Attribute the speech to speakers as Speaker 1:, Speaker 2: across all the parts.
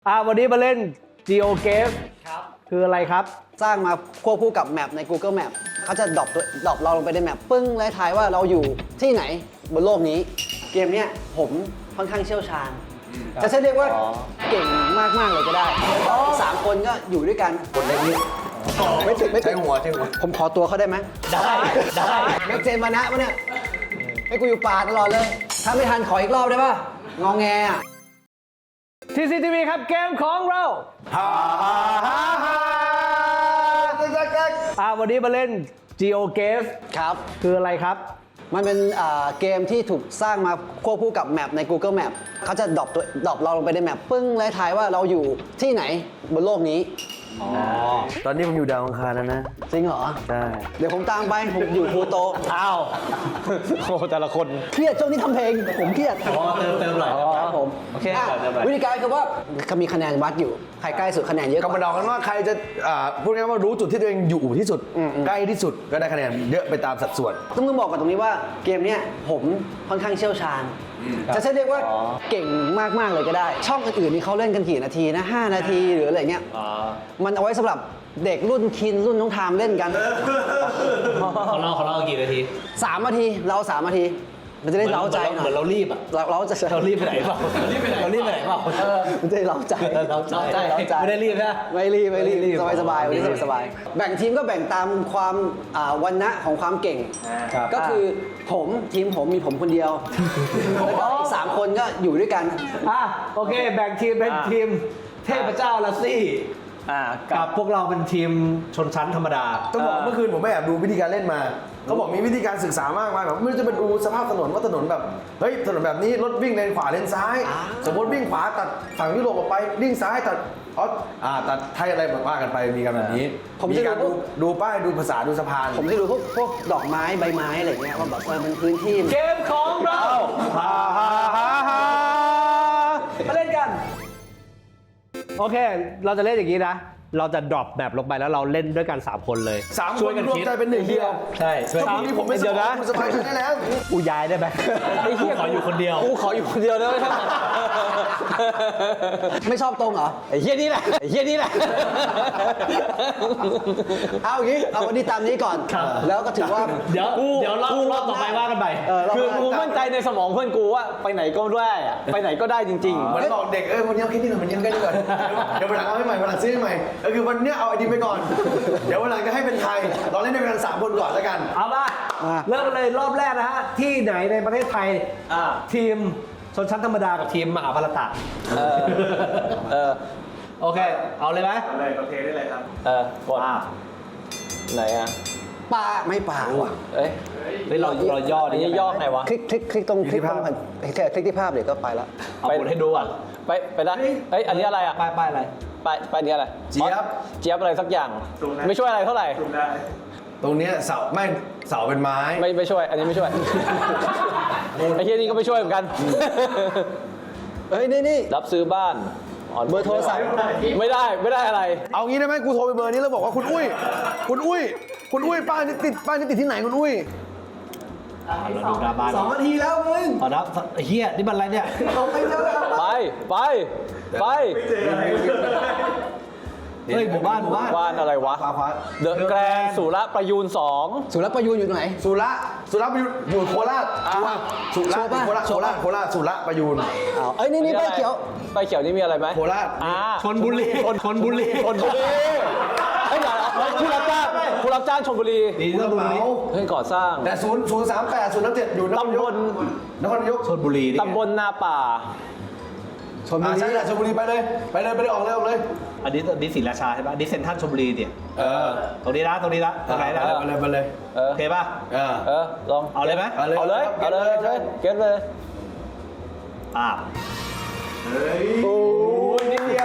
Speaker 1: วันนี้มาเล่น Geo Game
Speaker 2: ครับ
Speaker 1: คืออะไรครับ
Speaker 3: สร้างมาควบคู่กับแมปใน Google Map เขาจะดรอปเราลงไปในแมปปึ้งและทายว่าเราอยู่ที่ไหนบนโลกนี้ เกมเนี้ยผมค่อนข้างเชี่ยวชาญจะใช้เรียกว่าเก่งมากๆเลยก็ได้3 คนก็อยู่ด้วยกันคนเล็กนี้ไม่ถึงใช่หัวผมขอตัวเขาได้ไหม
Speaker 2: ได้
Speaker 3: แม็กเจนมานะวะเนี่ยให้กูอยู่ป่าตลอดเลย ถ้าไม่ทันขออีกรอบได้ป่ะงอแงอ่ะ
Speaker 1: TCTV ครับเกมของเราวันนี้มาเล่น Geo Game
Speaker 3: ครับ
Speaker 1: คืออะไรครับ
Speaker 3: มันเป็นเกมที่ถูกสร้างมาควบคู่กับแมปใน Google Map เขาจะดรอปเราลงไปในแมปปึ้งและทายว่าเราอยู่ที่ไหนบนโลกนี้
Speaker 4: ตอนนี้ผมอยู่ดาวอังคารแล้วนะ
Speaker 3: จริงเหรอ
Speaker 4: ใช่
Speaker 3: เดี๋ยวผมตามไป ผมอยู่พลูโต
Speaker 1: อ้าวโอ้แต่ละคน
Speaker 3: เครียดช่วงนี้ทำเพลง ผมเครียด
Speaker 2: เติมหน่อย
Speaker 3: ครับผม
Speaker 2: โอเค
Speaker 3: อ่ะ
Speaker 2: เติมหน่อย
Speaker 3: วิธีการคือว่าเขามีคะแนนวัดอยู่ ใครใกล้สุดคะแนนเยอะก
Speaker 4: ก็มา
Speaker 3: ว่า
Speaker 4: เดากันว่าใครจะพูดง่ายๆว่ารู้จุดที่ตัวเองอยู่ที่สุด ใกล้ที่สุดก็ได้คะแนนเยอะไปตามสัดส่วน
Speaker 3: ต้องบอกกันตรงนี้ว่าเกมเนี้ยผมค่อนข้างเชี่ยวชาญ จะใช้เรียกว่าเก่งมากๆเลยก็ได้ ช่องอื่นๆนี่เขาเล่นกันกี่นาทีนะ5 นาทีหรืออะไรเงี้ย มันเอาไว้สำหรับเด็กรุ่นคินรุ่นน้องทามเล่นกัน
Speaker 2: ของเรากี่นาที
Speaker 3: 3 นาทีเรา3 นาที มันจะได้เล้าใจหน่
Speaker 2: เหมื
Speaker 3: อ
Speaker 2: อย นเรารีบอ่ะ
Speaker 3: เราจะ
Speaker 2: เรารีบไปไหนเปล่าเรารีบไปไหนเปล่า
Speaker 3: มันจะได้เล้าใจ
Speaker 2: เราใจไม่ได้รีบนะ
Speaker 3: ไม่รีบสบายวันนี้สบายแบ่งทีมก็แบ่งตามความวรรณะของความเก่ง ก็คือทีมผมมีผมคนเดียวแล้วก็อีก3 คนก็อยู่ด้วยกัน
Speaker 1: โอเคแบ่งทีมเป็นทีมเทพเจ้าลัสซี่กับพวกเราเป็นทีมชนชั้นธรรมดา
Speaker 4: ต้องบอกว่าเมื่อคืนผมไปแอบดูวิธีการเล่นมา เขาบอกมีวิธีการศึกษามากมายแบบไม่รู้จะไปดูสภาพถนนว่าถนนแบบเฮ้ยถนนแบบนี้รถวิ่งเลนขวาเลนซ้าย สมมติวิ่งขวาตัดฝั่งยุโรปออกไปวิ่งซ้ายตัดตัดไทยอะไรแบบว่ากันไปมีกันแบบนี้
Speaker 3: ผม
Speaker 4: มี
Speaker 3: จะ
Speaker 4: การดูป้ายดูภาษาดูสะพาน
Speaker 3: ผมจะดูพวกดอกไม้ใบไม้อะไรเงี้ยว่าแบบมันพื้นที่
Speaker 1: เกมของเรามาเล่นกัน โอเค เราจะเล่นอย่างนี้นะ เราจะดรอปแบบลงไปแล้วเราเล่นด้วยกัน 3 คนเลย
Speaker 4: 3
Speaker 1: ช่
Speaker 4: ค
Speaker 1: วย
Speaker 4: น
Speaker 1: กัน
Speaker 4: รวม
Speaker 1: คิด
Speaker 4: ใจเป็นหนึ่งเดียว
Speaker 1: ใช่
Speaker 4: ถ้าพรุ่งนี้ผมไม่ส
Speaker 1: เดี๋ยว
Speaker 4: บา
Speaker 1: นะ
Speaker 4: ยคุณสบายใจได้แล้ว
Speaker 1: อูย้ายได้ไหม
Speaker 2: ขออยู่คนเดียว
Speaker 1: กูขออยู่คนเดียวได้ไหม
Speaker 3: ไม่ชอบตรงเหรอ
Speaker 1: ไอ้เหี้ยนี่แหละไอ้เหี้ยนี่แหละ
Speaker 3: เอาอย่างนี้เอาวันนี้ตามนี้ก่อน แล้วก็ถือว่า
Speaker 2: เดี๋ยวรอบต่อไปว่ากันไป
Speaker 1: คือกูมั่นใจในสมองเพื่อนกูว่าไปไหนก็ได้อะไปไหนก็ได้จริง
Speaker 4: เหมือนบอกเด็กวันนี้เอาแค่นี้ก่อนวันนี้เอาแค่นี้ก่อนเดี๋ยววันหลังเอาให้ใหม่วันหลังซื้อให้ใหม่คือวันนี้เอาไอดีไปก่อน เดี๋ยววันหลังจะให้เป็นไทยเราเล่นด้วยกัน3 คนก่อนแล้วกัน
Speaker 1: ๆ เอาป่ะเริ่มกันเลยรอบแรกนะฮะ ที่ไหนในประเทศไทยทีมชนชั้นธรรมดากับทีมมหาภารตะโอเค เอาเลยไหม
Speaker 2: กดไหนอ่ะ
Speaker 3: ป่าไม่ป่าว่ะ
Speaker 2: เอ้ยเราย่อดิย่อไงวะ
Speaker 3: คลิกตรงคลิกตรงคลิกที่ภาพเดี๋ยวก็ไปละ
Speaker 2: เอากดให้ดูอ่ะไปได้เฮ้ยอันนี้อะไรอ่ะ
Speaker 1: ไปอะไร
Speaker 2: ไปนี้อะไร
Speaker 4: เจี๊ยบ
Speaker 2: เจี๊ยบอะไรสักอย่างไม่ช่วยอะไรเท่าไหร่
Speaker 4: ตรงเนี้ยเสาเป็นไม้
Speaker 2: ไม่ช่วย อันนี้ไม่ช่วยไอ้เหี้ยนี่ก็ไม่ช่วยเหมือนกัน
Speaker 3: เฮ้ยนี่
Speaker 2: รับซื้อบ้าน
Speaker 3: เบอร์โทรศัพท์
Speaker 2: ไม่ได้อะไร
Speaker 4: เอางี้ได้ไหมกูโทรไปเบอร์นี้แล้วบอกว่าคุณอุ้ยป้ายนี่ติดที่ไหนคุณอุ้ย
Speaker 1: เราดูหน้าบ้าน
Speaker 3: 2 นาทีแล้วมึง
Speaker 1: เอานะไอ้เฮียนี่มันอะไรเนี่ย
Speaker 3: เอาไปเร็วแล้ว
Speaker 2: ไป
Speaker 1: เฮ้ยหมู่บ้าน
Speaker 2: บ้านอะไรวะ
Speaker 4: ขวา
Speaker 2: เดอะแกรนสุรประยูน2
Speaker 3: สุรประยูนอยู่ตรงไหน
Speaker 4: สุระอยู่โคราชสุระโคราชสุระประยูน
Speaker 3: เอ้ยนี่ป้ายเขียว
Speaker 2: ป้ายเขียวนี่มีอะไรไหม
Speaker 4: โคราช
Speaker 1: ชนบุรี
Speaker 2: เฮ้ยเดี๋ยวผู้รับจ้างชลบุรี
Speaker 1: ดีชนบุรี
Speaker 2: เฮ้ยก่อสร้าง
Speaker 4: แต่038 037อยู่นครนายก
Speaker 1: ชนบุรีนี่
Speaker 2: ตำบลนาป่า
Speaker 3: ชนบุรี
Speaker 4: ใช่แหละชลบุรีไปเลยออกเลย
Speaker 1: อันนี้ศรีราชาใช่ปะนี่เซ็นทรัลชลบุรีเนี่ย ตรงนี้ละตรงไหนนะ
Speaker 4: ไปเลย
Speaker 1: โอเคป่ะ
Speaker 2: ลอง
Speaker 1: เอาเลยไหม
Speaker 4: เอาเลย
Speaker 2: เก็ตเลย
Speaker 1: โอ้ยนิดเดียว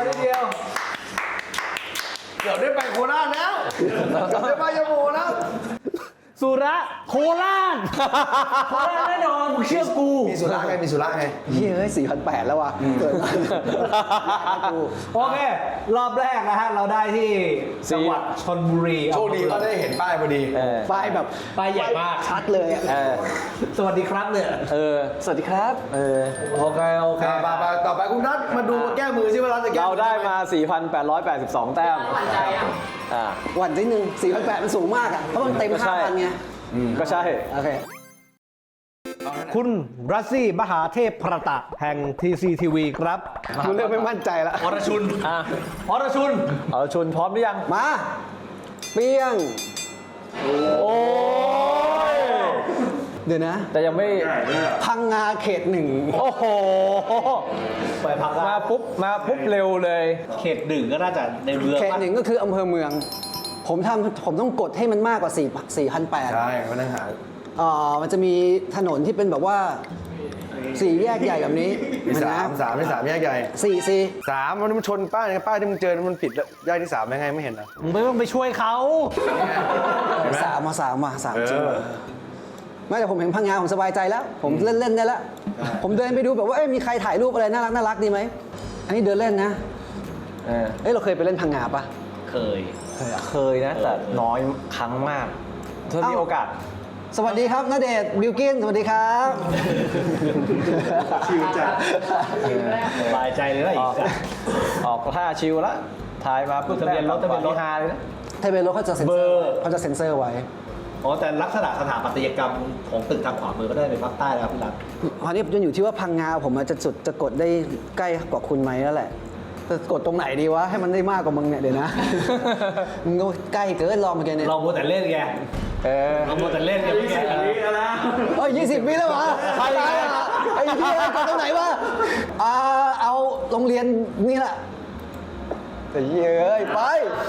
Speaker 4: เกือบได้ไปโคราชแล้วเกือบได้ไปยโมแล้ว
Speaker 1: สุระโคราชโคราชแน่นอนมึงเชื่อกู
Speaker 4: มีสุระไงมีสุระไง
Speaker 3: เฮ้ย4,800แล้วว่ะเกิดมากู
Speaker 1: โอเค รอบแรกนะฮะ เราได้ที่จังหวัดชลบุรี
Speaker 4: โชคดีก็ได้เห็นป้ายพอดี
Speaker 3: ป้ายแบบ
Speaker 1: ป้ายใหญ่มาก
Speaker 3: ชัดเลยอ่ะ
Speaker 1: สวัสดีครับเนี่ย
Speaker 3: สวัสดีครับ
Speaker 1: โอเค โอเค
Speaker 4: ไปต่อไปคุณนัทมาดูแก้มือซิว่าเราจะแก้
Speaker 2: เราได้มา 4,882 แต้มอ่า
Speaker 3: หวั่นนิดนึง4,800มันสูงมากอ่ะ เพราะมันเต็ม
Speaker 2: ก็ใช่
Speaker 3: 5,000ไง
Speaker 2: ก็ใช่
Speaker 3: โอเค
Speaker 1: คุณรัสซี่มหาเทพประตะแห่ง TCTV ครับ
Speaker 3: คุณเริ่มไม่มั่นใจแล้ว
Speaker 1: อรชุน
Speaker 2: อ่ะ
Speaker 1: อรชุน
Speaker 2: เอาชุนพร้อมหรือยัง
Speaker 3: มา เปี้ยง
Speaker 2: โอ้ย
Speaker 3: เดี๋ยวนะ
Speaker 2: แต่ยังไม่
Speaker 3: พังงาเขต 1
Speaker 2: โอ้โห
Speaker 1: ไปพัก
Speaker 2: มาปุ๊บเร็วเลย
Speaker 1: เขตหนึ่งก็น่าจะในเมือง
Speaker 3: เขต 1 ก็คืออำเภอเมือง ผมต้องกดให้มันมากกว่า 4,800
Speaker 4: ใช่มานั่งหา
Speaker 3: มันจะมีถนนที่เป็นแบบว่า 4 แยกใหญ่แบบนี้
Speaker 4: มีสามแยกใหญ่
Speaker 3: 4
Speaker 4: สามมันชนป้ายป้ายที่มึงเจอมันปิดแยกที่3ยังไงไม่เห็นเหรอ
Speaker 1: มึงไม่ต้องไปช่วยเขา
Speaker 4: เห็นไหม
Speaker 3: 3มา3
Speaker 4: เออ
Speaker 3: จริงว่ะไม่แต่ผมเห็นพังงาผมสบายใจแล้ว ผมเล่นได้แล้ว ผมเดินไปดูแบบว่ามีใครถ่ายรูปอะไรน่ารักดีไหม อันนี้เดินเล่นนะ เราเคยไปเล่นพังงาปะ
Speaker 1: เคย
Speaker 2: เคยนะ แต่น้อยครั้งมากถ้ามีโอกาส
Speaker 3: สวัสดีครับณเดชน์บิลกินสวัสดีครับ
Speaker 4: ชิวจัด
Speaker 1: สบายใจเลยนะอีกอ่ะ
Speaker 2: ออกท่าชิวละถ่ายมาปุ๊บ
Speaker 1: ทะเบียนรถ
Speaker 2: ทะเบียนรถฮาเลยนะ
Speaker 3: ทะเบียนรถเขาจะเซ็นเซอร์ไว้
Speaker 1: อ๋อแต่ลักษณะสถาปัตยกรรมของตึกทางขวามือก็ได้เป็นภาคใต้นะครับพี่รัฐ
Speaker 3: ตอนนี้มันอยู่ที่ว่าพังงาผมอาจจะกดได้ใกล้กว่าคุณไหมแล้วแหละแต่กดตรงไหนดีวะให้มันได้มากกว่ามึงเนี่ยเดี๋ยวนะ มึงก็ใกล้เกินลองเมื่อกี้เนี่ย
Speaker 1: เราโมวแต่เล่นไงเราโมวแต่เล่นไงพี่แกนะ
Speaker 3: เฮ้ย20 วิแล้ววะไอ้เหี้ยกดตรงไหนวะเอาโรงเรียนนี่แหละแต่เหี้ยเอ้ยไป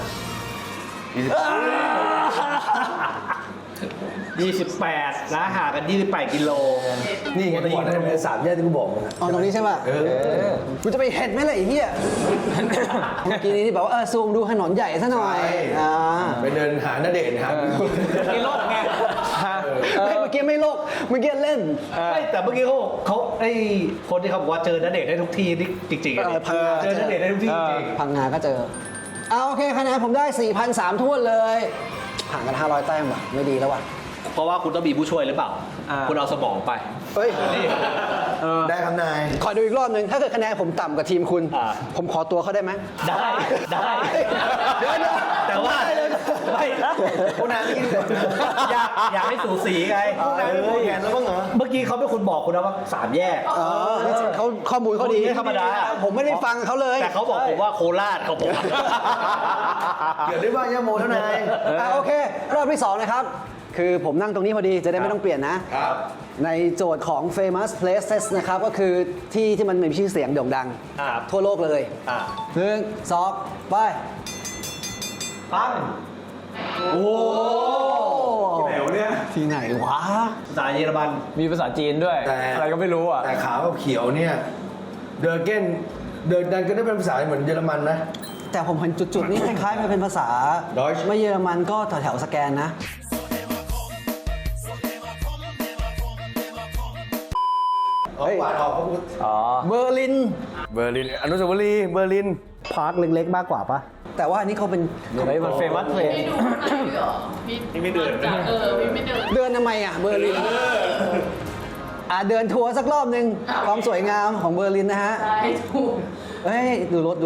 Speaker 1: 28นะห่างกัน28กิโล
Speaker 4: นี่ไงกูบอกได้เป็น3แยกที่กูบอกมึงอะ
Speaker 3: ตรงนี้ใช่ป่ะกูจะไปเห็นไหมล่ะไอ้เหี้ยเมื่อกี้นี้ที่บอกว่าซูมดูถนนใหญ่ซะหน่อย
Speaker 4: ไปเดินหาณเดชน์ครับ
Speaker 1: กิโลไง
Speaker 3: เมื่อกี้ไม่โลกเมื่อกี้เล่น
Speaker 1: ไม่แต่เมื่อกี้เขาไอ้คนที่เขาบอกว่าเจอณเดชน์ได้ทุกที่นี่จริงๆอะ
Speaker 3: พังงา
Speaker 1: เจอณเดชน์ได้ทุกที่จริง
Speaker 3: พังงาก็เจอโอเคคะแนนผมได้ 4,300ท้วนเลยห่างกัน500แต้มว่ะไม่ดีแล้วว่ะ
Speaker 1: เพราะว่าคุณต้องมีผู้ช่วยหรือเปล่า คุณเอาสมองไป
Speaker 3: เฮ้ย
Speaker 1: นี่
Speaker 4: ได้ครับนาย
Speaker 3: ขอดูอีกรอบหนึ่งถ้าเกิดคะแนนผมต่ำกว่าทีมคุณ ผมขอตัวเขาได้ไหม
Speaker 1: ได้
Speaker 3: เดี๋ยว
Speaker 1: แต่ว่าไม่
Speaker 4: คุณนายนี่
Speaker 1: อยากให้สูสีไง
Speaker 4: คุณนายไม่พอแขนแล้วบ้างเหรอ
Speaker 1: เมื่อกี้เขาเป็นคนบอกคุณนะว่า3แยก
Speaker 3: เขาข้อมูลเขาดี
Speaker 1: ไม่ธรรมดา
Speaker 3: ผมไม่ได้ฟังเขาเลย
Speaker 1: แต่เขาบอกผมว่าโคราชเขาบอก
Speaker 4: เดี๋ยวได้ว่ายาโมแล้วนาย
Speaker 3: โอเค รอบที่ 2 นะครับ คือผมนั่งตรงนี้พอดีจะได้ไม่ต้องเปลี่ยนนะ
Speaker 4: ครับ
Speaker 3: ในโจทย์ของ famous places นะครับ ก็คือที่มันมีชื่อเสียงโด่งดัง
Speaker 1: ครับ
Speaker 3: ทั่วโลกเลย 1 2 ไป
Speaker 1: ปังโอ้
Speaker 4: แหวเนี่ย
Speaker 3: ที่ไหนวะ
Speaker 1: ภาษาเยอรมัน
Speaker 2: มีภาษาจีนด้วย
Speaker 4: แต่
Speaker 2: อะไรก็ไม่รู้อ่ะ
Speaker 4: แต่ขาวกับเขียวเนี่ยเดอร์เกนก็ได้เป็นภาษาเหมือนเยอรมันนะ
Speaker 3: แต่ผมเห็นจุดๆนี้คล้ายๆมันเป็นภาษา
Speaker 4: Deutsch
Speaker 3: ไม่เยอรมันก็แถวๆสแกนนะ
Speaker 4: เฮ้ยออกเขาพูด
Speaker 2: อ๋อ
Speaker 3: เบอร์ลิน
Speaker 4: เบอร์ลินอนุสาวรีย์เบอร์ลิน
Speaker 1: พาร์คเล็กๆมากกว่าปะ
Speaker 3: แต่ว่าอันนี้เขาเป็น
Speaker 2: เฮ้ยมันเฟมัสเพลง
Speaker 5: พี่ดูข้างในด้วยเหรอพี่ไม่เดินพี่ไม่เดิน
Speaker 3: เดินทำไมอ่ะเบอร์ลินเดินทัวร์สักรอบหนึ่งความสวยงามของเบอร์ลินนะฮะ
Speaker 5: ใช่ถูก
Speaker 3: เฮ้ยดูรถ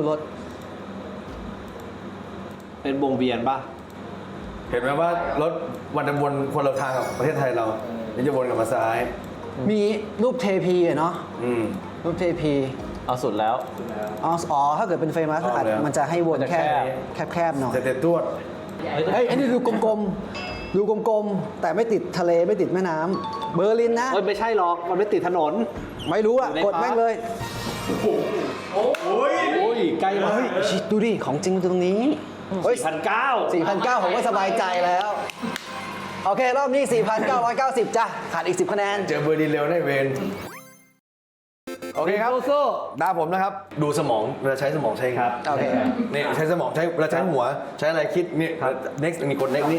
Speaker 1: เป็นวงเวียนปะ
Speaker 4: เห็นไหมว่ารถวันจะวนคนละทางกับประเทศไทยเรานี่จะวนกลับมาซ้าย
Speaker 3: มีรูปเทพีอะเนาะ รูปเทพี
Speaker 2: เอาสุดแล้ว
Speaker 3: อ๋อถ้าเกิดเป็นเฟมัส
Speaker 4: เอาแล้ว
Speaker 3: มันจะให้วน
Speaker 2: มันจะ
Speaker 3: แค่
Speaker 2: แค
Speaker 3: แคบๆหน่อย
Speaker 4: แต่ตรวจ
Speaker 3: เฮ้ยอันนี้ดูกลมๆ ดูกลมๆ แต่ไม่ติดทะเลไม่ติดแม่น้ำเบอร์ลินนะ
Speaker 1: เอ้ยไม่ใช่หรอก มันไม่ติดถนน
Speaker 3: ไม่รู้อะ
Speaker 1: อยู่ใน
Speaker 3: กดแม่งเลย
Speaker 1: โอ้ยใกล้มาก
Speaker 3: ชิดูดิ ของจริงมันอยู่ตรงนี้เฮ้ย
Speaker 1: 4,900
Speaker 3: 4,900 ผมก็สบายใจแล้ว โอเค รอบนี้ 4,990 จ้ะ ขาดอีก 10 คะแนน
Speaker 4: เจอเบอร์ลินเร็วได้เวนโออเคครับ
Speaker 1: สู้
Speaker 4: ตาผมนะครับ ดูสมองเวลาใช้สมองใช้ไง
Speaker 1: ครับ
Speaker 3: โอเค
Speaker 4: นี่ใช้สมองใช้เวลาใช้หัวใช้อะไรคิดนี่ next มีกด next นี่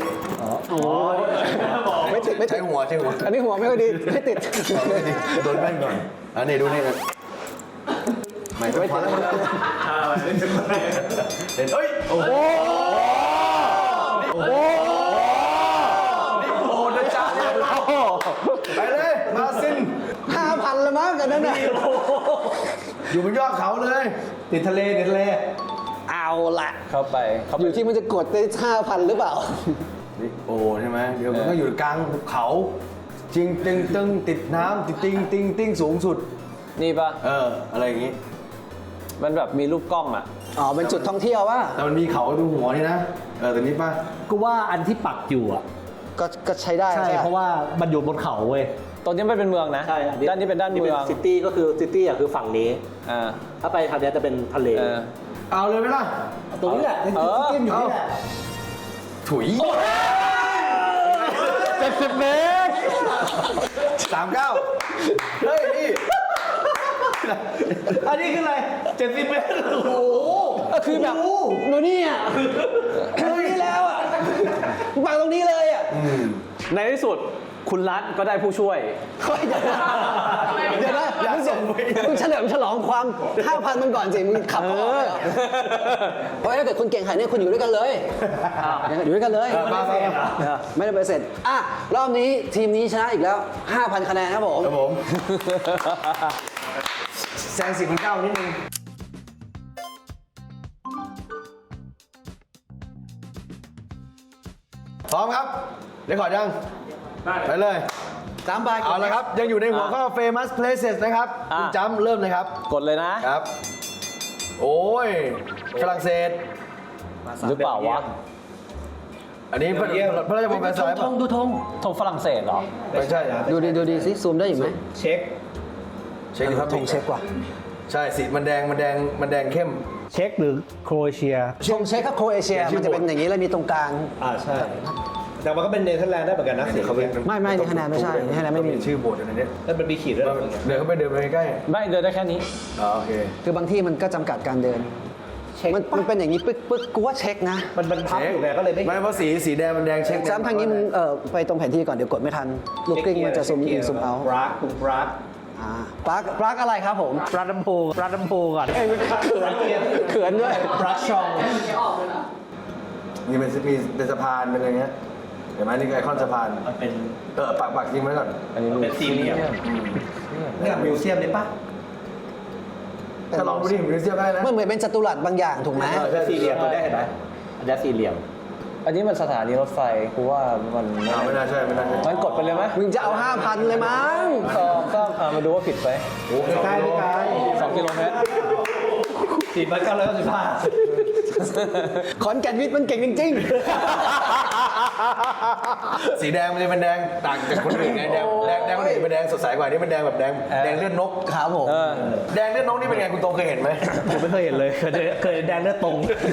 Speaker 3: ไม่ติดไม่ติ
Speaker 4: ใช้
Speaker 3: ด
Speaker 4: หัวใช้หัว
Speaker 3: อันนี้หัวไม่ค่อยดีไม่ติด
Speaker 4: โดนแว่นก่อนอันนี้ดูนี่นะไม่ติดเฮ้ยโอ้โหนี่โอ้นะจ๊ะเนี่ยไปเลยมาซิน
Speaker 3: 5,000ละมั้งกันนั่นน่ะ
Speaker 4: อยู่บนยอดเขาเลย
Speaker 1: ติดทะเลติดทะเล
Speaker 3: เอาละ
Speaker 2: เข้าไป
Speaker 3: อยู่ที่มันจะกดได้ 5,000 หรือเปล่า
Speaker 4: นี่โอ้ใช่ไหมเดี๋ยวมันก็อยู่กลางภูเขาจริงตึงตึงติดน้ำติดติงสูงสุด
Speaker 2: นี่ปะ
Speaker 4: อะไรอย่างงี้
Speaker 2: มันแบบมีรูปกล้องอ่ะ
Speaker 3: อ๋อ เป็นจุดท่องเที่ยวว่า
Speaker 4: แต่มันมีเขาตรงหัวนี่นะแต่นี้ป่ะ
Speaker 1: กูว่าอันที่ปักอยู่อ่ะ
Speaker 3: ก็ใช้ได้
Speaker 1: ใช่
Speaker 3: ใช่
Speaker 1: เพราะว่ามันอยู่บนเขาเว้ย
Speaker 2: ตรงนี้มันเป็นเมืองนะ ด้านนี้เป็นด้านเมือง
Speaker 1: ซิตี้ก็คือซิตี้อ่ะคือฝั่งนี้
Speaker 2: อ่า
Speaker 1: ถ้าไปทางนี้จะเป็นทะเล
Speaker 2: เออ
Speaker 4: เอาเลยไหมล่ะ
Speaker 1: ตรงนี้แหละ
Speaker 2: เออ
Speaker 1: ซิตี้อยู่นี่แหละ
Speaker 4: ถุย
Speaker 1: 70 เมตร
Speaker 4: 39เฮ้ยนี่
Speaker 1: อันนี้คืออะไร 70 เมตร โอ้โห
Speaker 3: ก็คือแบบดูนี่อ่ะตรงนี้แล้วอ่ะวางตรงนี้เลยอ่ะ
Speaker 2: ในที่สุดคุณรัฐก็ได้ผู้ช่วย
Speaker 3: เฮ้ยเดี๋ยวนะมึงเฉลิมฉลองความ 5,000 มันก่อนสิ มึงขับเขาออกเลยเหรอเพราะถ้าเกิดคุณเก่งขนาดนี้คุณอยู่ด้วยกันเลยอยู่ด้วยกันเลย ไม่ได้ไปเสร็จอ่ะรอบนี้ทีมนี้ชนะอีกแล้ว 5,000 คะแนนครับผม
Speaker 4: ครับผมแซง10,900นิดนึงพร้อมครับเดี๋ยวขอยังไปเลย
Speaker 3: 3 ใบ
Speaker 4: เอาละครับ ยังอยู่ในหัวข้อ famous places นะครับ
Speaker 2: อ่ะ
Speaker 4: คุณจำเริ่มเลยครับ
Speaker 2: กดเลยนะ
Speaker 4: ครับ โอ้ยฝรั่งเศส
Speaker 2: หรือเปล่าวะ
Speaker 4: อันนี้พระราชวังแวร์ซายน์ป่ะ
Speaker 3: ดูธง
Speaker 2: ธงฝรั่งเศสเหรอ
Speaker 4: ไม่ใช่นะ
Speaker 3: ดูดีสิซูมได้อยู่ไหม
Speaker 1: เช็ค
Speaker 4: เช็คครับ
Speaker 3: ธงเช็คว่ะ
Speaker 4: ใช่สีมันแดงเข้ม
Speaker 1: เช็คหรือโครเอเชีย
Speaker 3: ธงเช็คครับโครเอเชีย
Speaker 4: ชื่อ
Speaker 3: มันจะเป็นอย่างนี้แล้วมีตรงกลาง
Speaker 1: ใช่ แต่มันก็เป็นเนเธอร์แลนด์ได้เหมือนกันนะสีเขาเป็น
Speaker 3: ไม่นี่คะแนนไม่ใช่นี่คะแนนไม่มี
Speaker 4: ชื่อโบสถ์อะไรเนี่ย
Speaker 1: แล้วมันมีขีดด้วย
Speaker 4: เดินเข้าไปเดินไปใกล้
Speaker 2: ไม่เดินได้แค่นี้
Speaker 4: อ๋อโอเค
Speaker 3: คือบางที่มันก็จำกัดการเดิน มันเป็นอย่างนี้ปึ๊กกูว่าเช็คนะ
Speaker 1: มันพับอยู่ไงก็เลยไม่
Speaker 4: ไม่เพราะสีแดงมันแดงเช็ค
Speaker 3: ซ้ำทางนี้มึงไปตรงแผนที่ก่อนเดี๋ยวกดไม่ทัน ลูกกลิ้งมันจะซูมอินซูมเอา
Speaker 1: ปรากคุณปราก
Speaker 3: ปลั๊กอะไรครับผม
Speaker 1: ปรากลำโพงก่อน
Speaker 3: เขินด้วย
Speaker 1: ปรากชอง
Speaker 4: มีเป็นสะพานเป็นอะไรเงี้ยเห็นไหมนี่คือไอคอนสะพาน
Speaker 1: มันเป็น
Speaker 4: ปักยิงไว้ก่อน
Speaker 2: อันนี้
Speaker 1: เป็นสี่เหลี่ยมเนี่ยมิวเซียมเลยปะ
Speaker 4: ถ้าลองดูดิมิวเซียมได้นะ
Speaker 3: มันเหมือนเป็นจัตุรัสบางอย่างถูกไหม
Speaker 1: สี่เหลี่ยมตัวได้เห็นไหมอันนี้สี่เหลี่ยม
Speaker 2: อันนี้มันสถานีรถไฟกูว่ามัน
Speaker 4: ไม่น่าใช่ไม่น่าใช่
Speaker 2: มันกดไปเลยไหม
Speaker 3: มึงจะเอา 5,000 เลยมั้ง
Speaker 2: ก็มาดูว่าผิดไป
Speaker 4: โอ้โห
Speaker 1: ใกล้ใกล้
Speaker 2: 2 กิโลเมตร
Speaker 3: ขอนแก่นวิทย์มันเก่งจริง
Speaker 4: สีแดงมันจะเป็นแดงต่างจากคนอื่นไงแดงคนอื่นเป็นแดงสดใสกว่านี่มันแดงแบบแดงเลือดนก
Speaker 3: ๆครับผม
Speaker 4: แดงเลือดนกนี่เป็นไงคุณโตเคยเห็นไหม
Speaker 1: ผมไม่เคยเห็นเลย เคยแดงเลือดตรง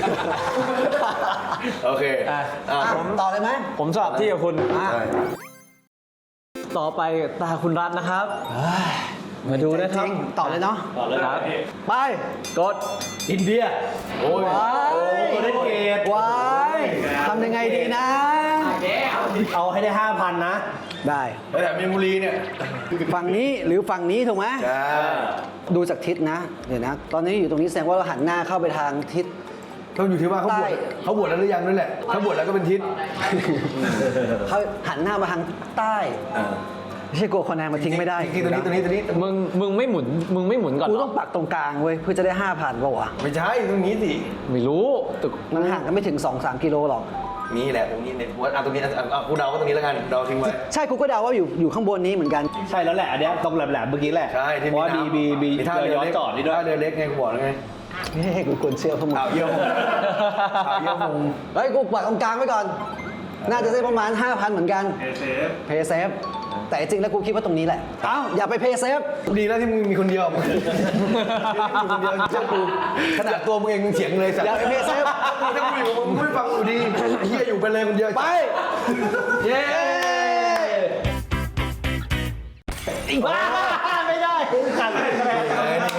Speaker 4: โอเค
Speaker 3: ผมต่อเลยไหม
Speaker 2: ผมสอบที่กับคุณ
Speaker 4: ใช่
Speaker 2: ต่อไปตาคุณรัฐนะครับ มาดูนะครับ
Speaker 3: จริงต่อเลยเนาะ
Speaker 1: ต่อเลยครับ
Speaker 3: ไป
Speaker 2: กด
Speaker 1: อินเดีย
Speaker 4: โอ้ย
Speaker 3: ว้าย
Speaker 1: โอเดนเกต
Speaker 3: ว้ายทำยังไงดีนะ
Speaker 1: เอาให้ได้ 5,000 นะ
Speaker 3: ได้
Speaker 4: แล้วแต่มีนบุรีเนี่ย
Speaker 3: ฝั่งนี้หรือฝั่งนี้ถูกไหม
Speaker 4: ใช่
Speaker 3: ดูจากทิศนะ เดี๋ยวนะ ตอนนี้อยู่ตรงนี้แสดงว่าเราหันหน้าเข้าไปทางทิศ
Speaker 4: ต้องอยู่ที่ว่าเขาบวช
Speaker 3: ใต้
Speaker 4: เขาบวชแล้วหรือยังนั่นแหละถ้าบวชแล้วก็เป็นทิศ
Speaker 3: เขาหันหน้ามาทางใต้ไม่ใช่กลัวคนแนนมาทิ้งไม่ได้
Speaker 4: จริงๆตัวนี้
Speaker 2: มึงไม่หมุนก่อน
Speaker 3: กู
Speaker 2: เหร
Speaker 3: ต้องปักตรงกลางเว้ยเพื่อจะได้ 5,000ป่าวะ
Speaker 4: ไม่ใช่ตรงนี้สิ
Speaker 2: ไม่รู้ตึก
Speaker 3: มันห่างกันไม่ถึง 2-3 กิโลหรอก
Speaker 4: นี่แหละตรงนี้เนี่ยตรงนี้กูเดาก็ตรงนี้แล้วกันเดาทิ้งไว้
Speaker 3: ใช่กูก็เดาว่าอยู่ข้างบนนี้เหมือนกัน
Speaker 1: ใช่แล้วแหละ อันเนี้ยตรงแหลมๆเมื่อกี้แหละ
Speaker 4: ใช่ที่
Speaker 1: เพราะว่า
Speaker 4: น้ำ
Speaker 1: มี
Speaker 4: ท่า
Speaker 1: เรื
Speaker 4: เรือ
Speaker 1: อย้อน
Speaker 4: เล็ก
Speaker 1: จอดนี่ด้วย
Speaker 4: ท่าเรือเล็กไงกูบอกแล้วไง
Speaker 3: นี่กูควรเชื่อพวกมึง
Speaker 4: ข่าวเยี่ยมข่าวเยี่ยม
Speaker 3: เฮ้ยกูปักตรงกลางไว้ก่อน น่าจะได้ประมาณ 5,000 เหมือนกันเพย์เซฟแต่จริงแล้วกูคิดว่าตรงนี้แหละ เอ้าอย่าไปเพย์เซฟ
Speaker 4: ดีแล้วที่มึงมีคนเดียวมึงมีคนเดียวเชื่อกูขนาดตัวมึงเองมึงเถียงเลยสัตว์
Speaker 3: อย่าไปเพย์เซฟ
Speaker 4: ถ้ากูอยู่มึงไม่ฟังกูดีเฮียอยู่ไปเลยคนเดียว
Speaker 3: ไป
Speaker 1: เย้อีกบ้าไม่ได้ขาดคะแนน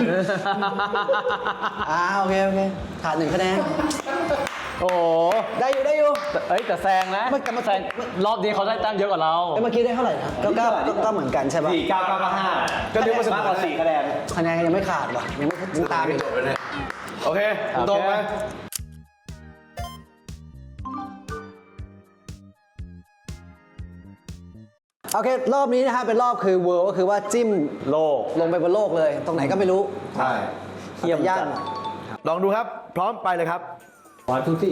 Speaker 3: โอเคขาด1 คะแนน
Speaker 2: โอ้โห
Speaker 3: ได้อยู่
Speaker 2: เอ้ยแต่แซงนะ
Speaker 3: ไม่กลับมา
Speaker 2: แซงรอบนี้เขาได้แต้มเยอะกว่าเรา
Speaker 3: เมื่อกี้ได้เท่าไหร่นะก็เหมือนกันใช่ปะ
Speaker 1: 4 9 9 5
Speaker 4: ก็เรียกว่าเสมอ
Speaker 1: มากกว่า4คะแนน
Speaker 3: คะแนนยังไม่ขาดว่ะยังไม่ถึงตามอีก
Speaker 4: โอเคตรงไหม
Speaker 3: โอเครอบนี้นะฮะเป็นรอบคือเวิร์ก็คือว่าจิ้ม
Speaker 2: โลก
Speaker 3: ลงไปบนโลกเลย ตรงไหนก็ไม่รู้
Speaker 4: ใช่
Speaker 2: เยี่ยม
Speaker 3: ย่า
Speaker 2: จั
Speaker 3: ง
Speaker 2: ด
Speaker 4: ลองดูครับ พร้อมไปเลยครับ
Speaker 1: 1 2 3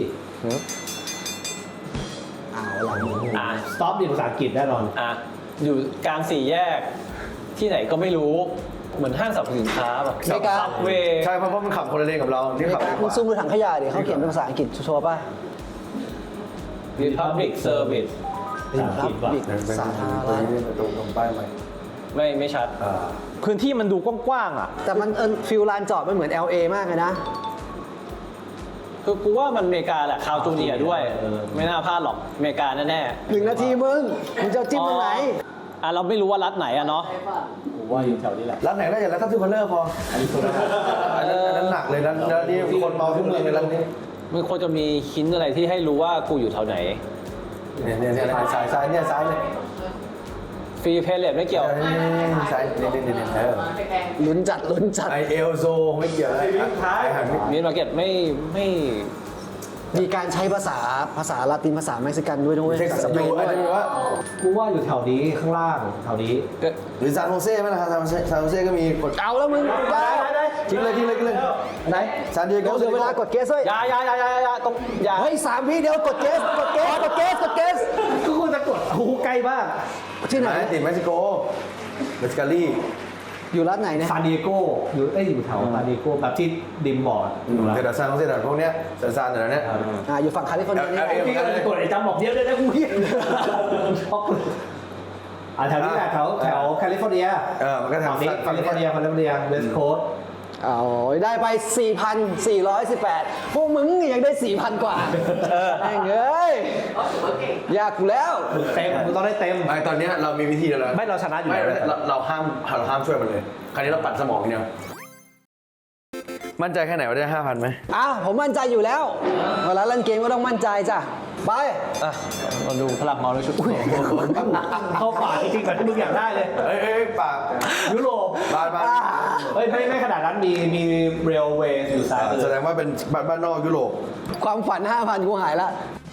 Speaker 3: เอาละ
Speaker 1: stop นี่ภาษาอังกฤษแน่นอน
Speaker 2: อยู่กลาง4 แยก ที่ไหนก็ไม่รู้ เหมือนห้างสรรพสินค้าแบบ
Speaker 3: อเมริกา
Speaker 2: ซับเวย์
Speaker 4: ใช่เพราะมันขับคนละเลนกับเราที่ขับเลนข
Speaker 3: มึง
Speaker 4: วา
Speaker 3: ซูมดูถังขยะดิเขาเขียนเป็นภาษาอังกฤษชัวร์ป่ะ
Speaker 2: รีพับลิกเซอร์วิส
Speaker 1: ภาษาอังกฤษว่ะ
Speaker 3: บิกสาธารณะ
Speaker 4: ตรงป้ายไหม
Speaker 2: ไม่ชัด พื้นที่มันดูกว้างๆอ่ะ
Speaker 3: แต่มันฟิลลานจอดมันเหมือน LA มากเลยนะ
Speaker 2: คือกูว่ามันอเมริกาแหละคาวจูเนียร์ด้วย ไม่น่าพลาดหรอกอเมริกาแน่
Speaker 3: 1 นาทีมึงจะจิ้มตรงไหน
Speaker 2: เราไม่รู้ว่ารัฐไหนอะเนาะ
Speaker 1: ผมว่าอยู่แถวนี้แหละ
Speaker 4: ร้านไหนได้อย่างร้านทัพทิมคอนเลอร์พออันนั้นหนักเลยร้านนี้คนเมาทุกเมืองในร้านนี้
Speaker 2: มันควรจะมีหินอะไรที่ให้รู้ว่ากูอยู่แถวไหน
Speaker 4: เนี่ยซ้ายเนี่ยซ้ายเลย
Speaker 2: ฟรีเพลเลตไม่เกี่ยว
Speaker 4: ซ้ายเนี่ย
Speaker 3: ลุ้นจัด
Speaker 4: ไอเอลโซไม่เกี่ยวไอ้หัน
Speaker 2: มีมาร์เก็ตไม่
Speaker 3: มีการใช้ภาษาลาตินภาษาเม็กซิกันด้วยนะเว้ย
Speaker 4: เท็กซัส
Speaker 3: สเป
Speaker 4: ดู
Speaker 3: น
Speaker 4: อัน
Speaker 3: ด้วย
Speaker 4: นี้ว่า
Speaker 1: กูว่าอยู่แถวนี้ข้างล่างแถวนี้
Speaker 4: หรือซานโฮเซ่ไหมล่ะซานโฮเซ่ก็มีกด
Speaker 3: เอาแล้วมึงได้
Speaker 4: ทิ้งเลยไหนซานดิเอโก
Speaker 3: เดี๋ยวเวลากดเกสด้วย
Speaker 2: อย่าต้องอย่า
Speaker 3: เฮ้ย3 วิเดียวกดเกส
Speaker 1: ก็คุณจะกดโอ้โหใกล้มาก
Speaker 3: ที่ไหน
Speaker 4: ติดเม็กซิโกเมสกาลี่
Speaker 3: อยู่รัฐไหนเนี่ย
Speaker 1: ซานดิเอโกอยู่อยู่แถวซานดิเอโกแบบที่ดิมบอกอะอยู่แล้ว
Speaker 4: แต่ซานโฮเซ่แต่พวกเนี้ยซานแต่ละเนี้ย
Speaker 3: อยู่ฝั่งแคลิฟอร์เนียนี่
Speaker 1: พี่ก็เลยจะกดไอ้จำบอกเดียวเลยนะกูเฮียช็อกเลยแถวนี้แหละแถวแคลิฟอร์เนีย
Speaker 4: มันก็แถว
Speaker 1: นี้แคลิฟอร์เนียเวสต์โคสต์
Speaker 3: เอาได้ไป 4,418 พวกมึงยังได้ 4,000 กว่าแม่งเอ้ยยากกูแล้ว
Speaker 1: เต็มมึงต้องได้เต็ม
Speaker 4: ไอตอนเนี้ยเรามีวิธีแล้ว
Speaker 1: ไม่เราชนะอยู่
Speaker 4: ไม่
Speaker 1: แล้ว
Speaker 4: เราห้ามช่วยมันเลย คราวนี้เราปัดสมองเนี่ยมั่นใจแค่ไหนว่าได้ 5,000ไหม
Speaker 3: ผมมั่นใจอยู่แล้ว เวลาเล่นเกมก็ต้องมั่นใจจ้ะ ไป
Speaker 2: เราดูพลังเมาด้วยชุด
Speaker 1: เข้าป่าจริงๆแบบที่มึงอยากได้เลย
Speaker 4: เอ้ยปาก
Speaker 1: ยุโรป
Speaker 4: บาน
Speaker 1: เฮ้ยไม่ขนาดนั้นมีเรลเวย์อยู่ซ้ายมือ
Speaker 4: แสดงว่าเป็นบ้านนอกยุโรป
Speaker 3: ความฝัน 5,000 กูหายละ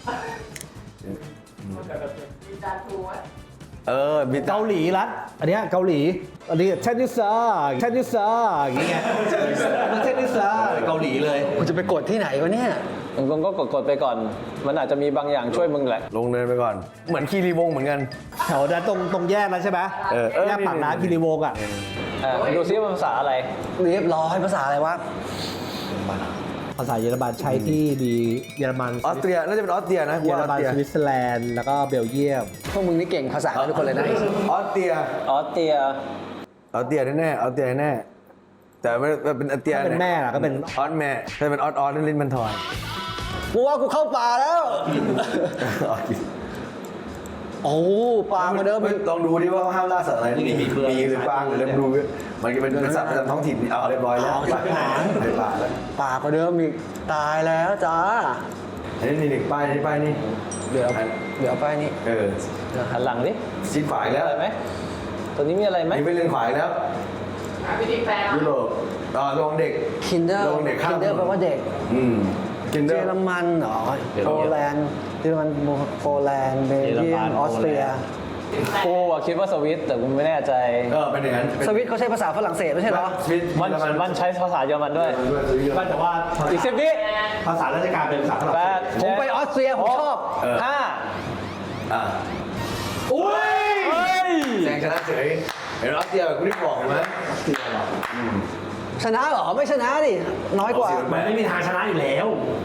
Speaker 4: มี
Speaker 1: เกาหลีรัฐอันเนี้ยเกาหลีอันนี้เชนนิซาอย่างเงี้ยมันเชนนิซาเกาหลีเลย
Speaker 3: กูจะไปกดที่ไหนวะเนี่ย
Speaker 2: มึงก็กดไปก่อน มันอาจจะมีบางอย่างช่วยมึงแหละ
Speaker 4: ลงเนินไปก่อน เหมือนคีรีวงศ์เหมือนกัน
Speaker 1: แถวนั้นตรงแยกนั้นใช่ไหม แยกปากน้ำคิริวงศ์อ่ะ
Speaker 2: ดูซิว่าภาษาอะไร
Speaker 3: เรียบร้อยภาษาอะไรวะ
Speaker 1: ภาษาเยอรมันใช้ที่มีเยอรมัน
Speaker 4: ออสเตรีย น่าจะเป็นออสเตรียนะ
Speaker 1: เยอร
Speaker 4: ออส
Speaker 1: มัน
Speaker 4: เตรีย
Speaker 1: สวิตเซอร์แลนด์แล้วก็เบลเยียม
Speaker 3: พวกมึงนี่เก่งภาษากันทุกคนเลยนะ
Speaker 4: ออสเตรีย
Speaker 2: ออสเตรีย
Speaker 4: แน่ออสเตรียแน่ แต่ไม่เป็นออสเตรีย
Speaker 1: ถ้าเป็นแม่ล่ะก็เป็น
Speaker 4: ออสแม่ถ้าเป็นออสลิ้นมันทอน
Speaker 3: กูว่ากูเข้าป่าแล้ว โอ้ปลามาเดิม
Speaker 4: ลองดูดิว่าเขาห้ามล่าสัตว์อะไรนี่มีหรือกวางหรือเล็บดูมันก็เป็นสัตว์ประจำท้องถิ่นเอาเรียบร้อยแล้วไปป่าแล้ว
Speaker 3: ปลากว่าเดิมอีกตายแล้วจ้า
Speaker 4: อันนี้นี่ป้ายนี่
Speaker 3: เดี๋ยวไปนี่
Speaker 2: หันหลังดิ
Speaker 4: ชิดขวาอีกแล้ว
Speaker 2: อะไรไหมตัวนี้มีอะไรไหม
Speaker 4: นี่ไปเลนขวาอีกแล้ว
Speaker 5: วิธีแปล
Speaker 4: ยุโรปลงเด็ก
Speaker 3: คินเดอร์
Speaker 4: ลงเด็กข้าม
Speaker 3: คินเดอร์แปลว่าเด็ก
Speaker 4: กิน
Speaker 3: เย
Speaker 4: เดอ
Speaker 3: อ
Speaker 4: ร์
Speaker 3: รมันเหรอโปแลนด์เยอรมันโปแลนด์เบลเยียมออสเตรีย
Speaker 2: กูอะคิดว่าสวิตแต่กูไม่แน่ใจ
Speaker 4: เป็นอย่างนั้น
Speaker 3: สวิตเขาใช้ภาษาฝรั่งเศสไม่ใช่เหรอ
Speaker 2: มันใช้ภาษาเยอรมันด้วย
Speaker 1: ก็แต่ว่า
Speaker 2: อีก10 วิ
Speaker 1: ภาษาราชการเป็นภาษาฝรั่ง
Speaker 2: แป
Speaker 1: เศ
Speaker 2: ด
Speaker 1: ส
Speaker 3: ผมไปออสเตรียผมชอบ
Speaker 2: 5
Speaker 1: อุ้ย
Speaker 4: แซงชนะเฉยเห็นออสเตรียแบบคุณที่บอกไหม
Speaker 3: ชนะเหรอ ไม่ชนะดิ น้อยกว่า
Speaker 1: มันไม่มีทางชนะอยู่แล้ว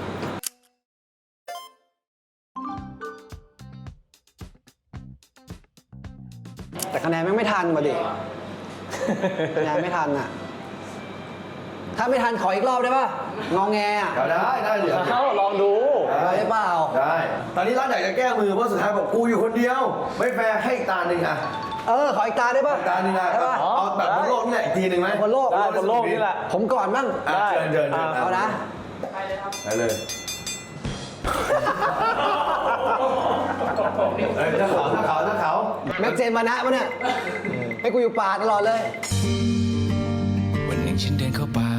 Speaker 3: แต่คะแนนแม่งไม่ทันมาดิ คะแนนไม่ทันอ่ะ ถ้าไม่ทันขออีกรอบได้ป่ะ งอแงอ่ะ
Speaker 4: ได้เดี๋ยว
Speaker 2: ลองดู
Speaker 3: ได้เปล่า
Speaker 4: ได้ ตอนนี้รัฐอยากจะแก้มือเพราะสุดท้ายบอกกูอยู่คนเดียว ไม่แฟร์ให้ตาหนึ่งอ่ะ
Speaker 3: ขออีกตาได้ป่ะ
Speaker 4: ตาหนึ่งนะ
Speaker 3: ได้ป่ะ
Speaker 4: เอาแบบบนโลกนี่แหละอีกทีหนึ่งไหม
Speaker 3: บนโลก
Speaker 2: ได้บนโลกนี่แหละ
Speaker 3: ผมก่อนบ้าง
Speaker 4: อ่ะเชิญ
Speaker 3: เอานะ
Speaker 4: ไปเลยเจ้าเขา
Speaker 3: แม็กเจนมานะปะเนี่ยให้กูอยู่ป่าตลอดเลย
Speaker 6: วันหนึ่งฉันเดินเข้าป่า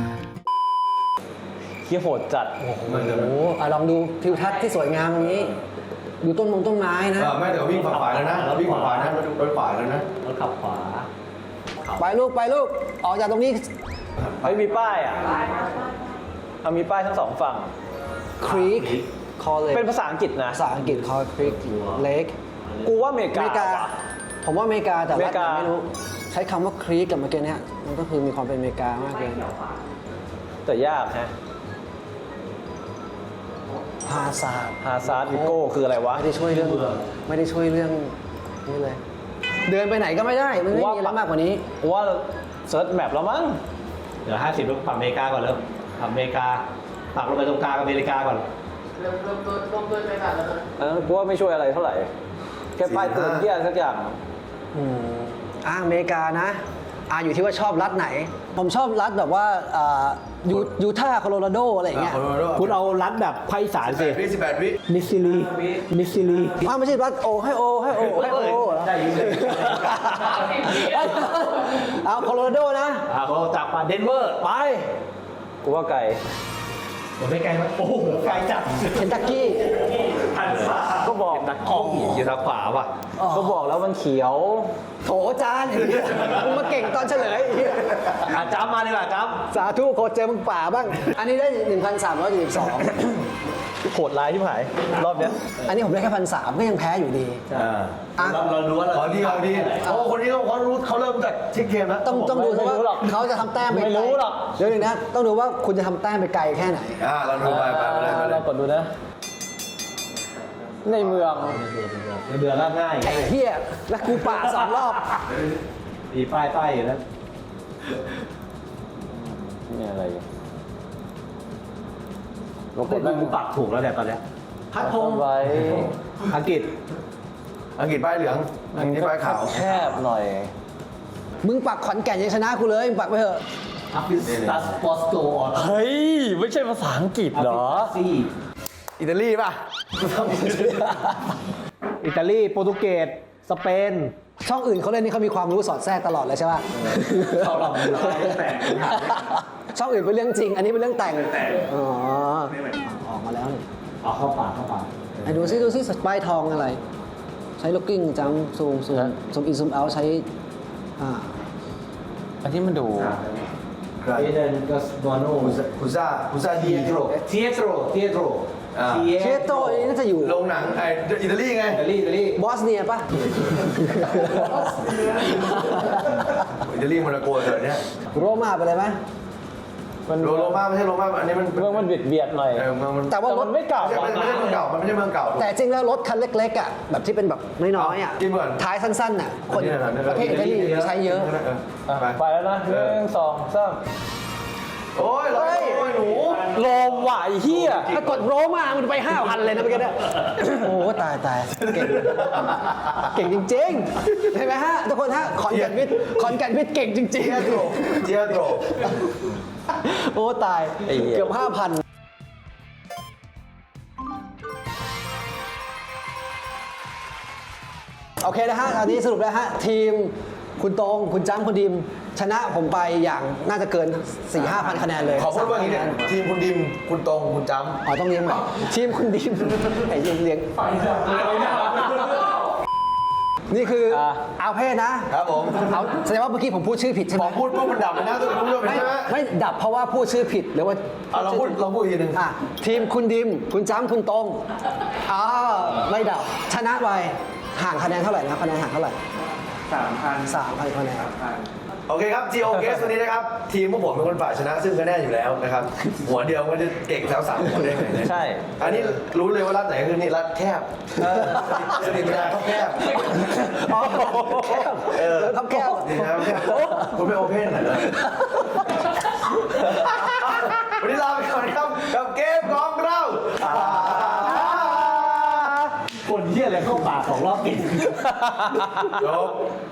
Speaker 2: เฮียโหดจัด
Speaker 4: มันจะ
Speaker 3: โอ้โหลองดูทิวทัศน์ที่สวยงามตรงนี้ ดูต้นไม้นะ
Speaker 4: ไม่แต่วิ่งฝ่าแล้วนะวิ่งฝ่านะรถฝ่าแล้วนะ
Speaker 1: รถขับขวา
Speaker 3: ไปลูกออกจากตรงนี้
Speaker 2: เฮ้ยมีป้ายอ่ะเอามีป้ายทั้งสองฝั่ง
Speaker 3: ครีกคอเล
Speaker 2: เป็นภาษาอังกฤษนะ
Speaker 3: ภาษาอังกฤษคอครีกเลก
Speaker 2: กูว่าอเมริ
Speaker 3: อเมริกา
Speaker 2: ว่ะ
Speaker 3: ผมว่าอเมริกาแต่
Speaker 2: อเม
Speaker 3: รั
Speaker 2: ริ
Speaker 3: ฐ
Speaker 2: กา
Speaker 3: ไม่รู้ ใช้คำว่าครีกกับเมื่อกี้เนี่ยมันก็คือมีความเป็นอเมริกามากเลย
Speaker 2: แต่ยากฮะ
Speaker 3: ฮาซาร์ด
Speaker 2: ฮาซาร์ดวิโก้คืออะไรวะ
Speaker 3: ไม่ได้ช่วยเรื่องนี่เลย เดินไปไหนก็ไม่ได้ มันไม่มีอะไรมากกว่านี้
Speaker 2: กูว่าเซิร์ชแมปแล้วมั้ง
Speaker 1: เดี๋ยว50ลูกฝั่งอเมริกาก่อนเริ่มฝั่งอเมริกาปักลงไปตรงกลางอเมริกาก่อน
Speaker 5: เริ่มต้นไปก่อนแล้วกัน
Speaker 2: อันนั้นกูว่าไม่ช่วยอะไรเท่าไหร่ แค่ป้ายเตือนเที่ยสักอย่าง
Speaker 3: อเมริกานะอยู่ที่ว่าชอบรัฐไหน ผมชอบรัฐแบบว่ายูทาห์โคโลราโดอะไรอย่างเงี้ย
Speaker 1: คุณเอารัดแบบภาคอีสานสิ
Speaker 4: 18 วิ
Speaker 1: มิสซิลี
Speaker 3: ไม่ใช่รัฐให้โอเหรอ
Speaker 1: ได้ยินเลย
Speaker 3: เอาโคโลราโดนะ
Speaker 1: เขาจากป่าเดนเวอร์ไป
Speaker 2: กูว่าไกล
Speaker 1: ผมไม่ไกลมั้ยโอ้โหไกลจัด
Speaker 3: เคนตักกี้
Speaker 2: ก็บอกนะ
Speaker 1: อยู่ทางขวาว่ะ
Speaker 2: ก็บอกแล้วมันเขียว
Speaker 3: โถจานมึงมาเก่งตอนเฉลย
Speaker 1: จ้ำมาดีกว่าจ้
Speaker 3: สาธุโคตรเจอมึงป่าบ้าง อันนี้ได้ 1,372
Speaker 2: โหดร้ายที่หาย รอบเนี้ย
Speaker 3: อันนี้ผมได้แค่1,300ก็ยังแพ้อยู่ดี
Speaker 1: เรารู้ว่าเรา
Speaker 4: เอาดีโอ้คนนี้เขารู้เขาเริ่มจากเช็คเกมแล้ว
Speaker 3: ต้องดู
Speaker 2: ไม่รู้หร
Speaker 3: ว่า
Speaker 2: อก
Speaker 3: เขาจะทำแต้มไป
Speaker 2: ไม่รู้หรอก
Speaker 3: เดี๋ยวนึงนะ ต้องดูว่าคุณจะทำแต้มไปไกลแค่ไหน
Speaker 4: เราดูไปเลย
Speaker 2: เรากดดูนะ ในเมือง
Speaker 1: เดือนละง่าย
Speaker 3: ไอ้เหี้ยแล้วกูป่า2 รอบ
Speaker 1: มีป้ายอยู่แล้ว
Speaker 2: นี่อะไรอยู่
Speaker 1: เราก็ดูปักถูกแล้วเนี่ยตอนเนี้ยพัดพง
Speaker 2: ไว้
Speaker 1: อังกฤษ
Speaker 4: อังกฤษป้ายเหลืองอังกฤษป้ายขาว
Speaker 2: แคบหน่อย
Speaker 3: มึงปักขอนแก่นยังชนะกูเลย มึงปักไปเถอะ
Speaker 1: อัฟริกัสปอสโตออน
Speaker 2: เฮ้ย ไม่ใช่ภาษาอังกฤษเหรอ
Speaker 4: อิตาลีป่ะ
Speaker 1: อิตาลีโปรตุเกสสเปน
Speaker 3: ช่องอื่นเขาเล่นนี่เขามีความรู้สอดแทรกตลอดเลยใช่ป่ะ
Speaker 1: เขาลองดูแต่ง
Speaker 3: ช่องอื่นเป็นเรื่องจริง อันนี้เป็นเรื่องแต่ง อ๋อ ออกมาแล้วนี่
Speaker 1: เอาเข้าปาก
Speaker 3: ไหนดูซิสปายทองอะไร ใช้ล็อกกิ้งจัมซูมอินซูมเอาใช้
Speaker 2: อันนี้มันดู
Speaker 1: เอเดนกัสบอโน
Speaker 4: คุซ่าดีโตร
Speaker 1: เทียโตร
Speaker 3: เชโตอันนี้น่าจะอยู่
Speaker 4: โรงหนังอิตาลีไง
Speaker 1: อิตาลี
Speaker 3: บอสเนียป่ะ
Speaker 4: อิตาลีโมนาโกเดี๋ยวนี้
Speaker 3: โรม่าไปเลยไหม
Speaker 2: มัน
Speaker 4: โรม่าไม่ใช่โรม่าอันนี้มัน
Speaker 2: เมืองมันเบียดหน่อย
Speaker 4: มัน
Speaker 3: แต่ว่าร
Speaker 2: มั
Speaker 3: ถ
Speaker 2: นไม่เก่า
Speaker 4: ไม่ใช่เมืองเก่ามันไม่ใช่เมืองเก่า
Speaker 3: แต่จริงแล้วรถคันเล็กๆอ่ะแบบที่เป็นแบบน้อยๆอ่ะ
Speaker 4: กินก่อน
Speaker 3: ท้ายสั้นๆอ่ะคน
Speaker 4: นี่นะ
Speaker 3: ประเทศอิตาลีใช้เยอะ
Speaker 2: ไปแล้วนะ1 2 3
Speaker 4: โอ้ยหนู
Speaker 2: โลมไหวเฮีย
Speaker 3: ถ้ากดโรม่ามันไป 5,000 เลยนะเมื่อกี้เนี่ยโอ้ตายเก่งจริงๆเห็นไหมฮะทุกคนฮะขอนแก่นวิทย์เก่งจริง
Speaker 4: เจียโตร
Speaker 3: ๆโอ้ตายเกือบ 5,000 โอเคนะฮะตอนนี้สรุปแล้วฮะทีมคุณตรงคุณจ้ำคุณดิมชนะผมไปอย่างน่าจะเกิน 4-5,000 คะแนนเลย
Speaker 4: ขอพูดว่าอย่างนี้เนี่ยทีมคุณดิมคุณตรงคุณจำ
Speaker 3: อ๋อต้องเลี้ยงใหม่ทีมคุณดิมไอ้เลี้ยงนี่คือเอาเพศนะครับ
Speaker 4: ผม
Speaker 3: เอาแสดงว่าเมื่อกี้ผมพูดชื่อผิดใช่ไห
Speaker 4: พ
Speaker 3: ม
Speaker 4: อพูดปุ๊บมันดับเลยนะทุกคนรู้ไหม
Speaker 3: ไม่ดับเพราะว่าพูดชื่อผิดหรือว่า
Speaker 4: เราพูดอีกทีหนึ่ง
Speaker 3: ทีมคุณดิมคุณจ้ำคุณตรงไม่ดับชนะไปห่างคะแนนเท่าไหร่นะคะแนนห่างเท่าไหร่ 3,000 คะแนน
Speaker 4: โอเคครับ GO Guest วันนี้นะครับ ทีมพวกผมเป็นคนฝ่ายชนะซึ่งก็แน่อยู่แล้วนะครับ หัวเดียวมันจะเก่งแล้ว3 คนได้ไงเนี่ย
Speaker 2: ใช่
Speaker 4: อันนี้รู้เลยว่ารัฐไหนคือนี่รัฐแคบสนิทนาเขาแคบ
Speaker 3: ครับแก้ว
Speaker 4: นี่นะครับแคบคุณไม่โอเพนหน่อยนะวันนี้ลาไปก่อนครับกับเกมของเรา
Speaker 1: คนเหี้ยอะไรเข้าป่าของรอบกิน
Speaker 4: จบ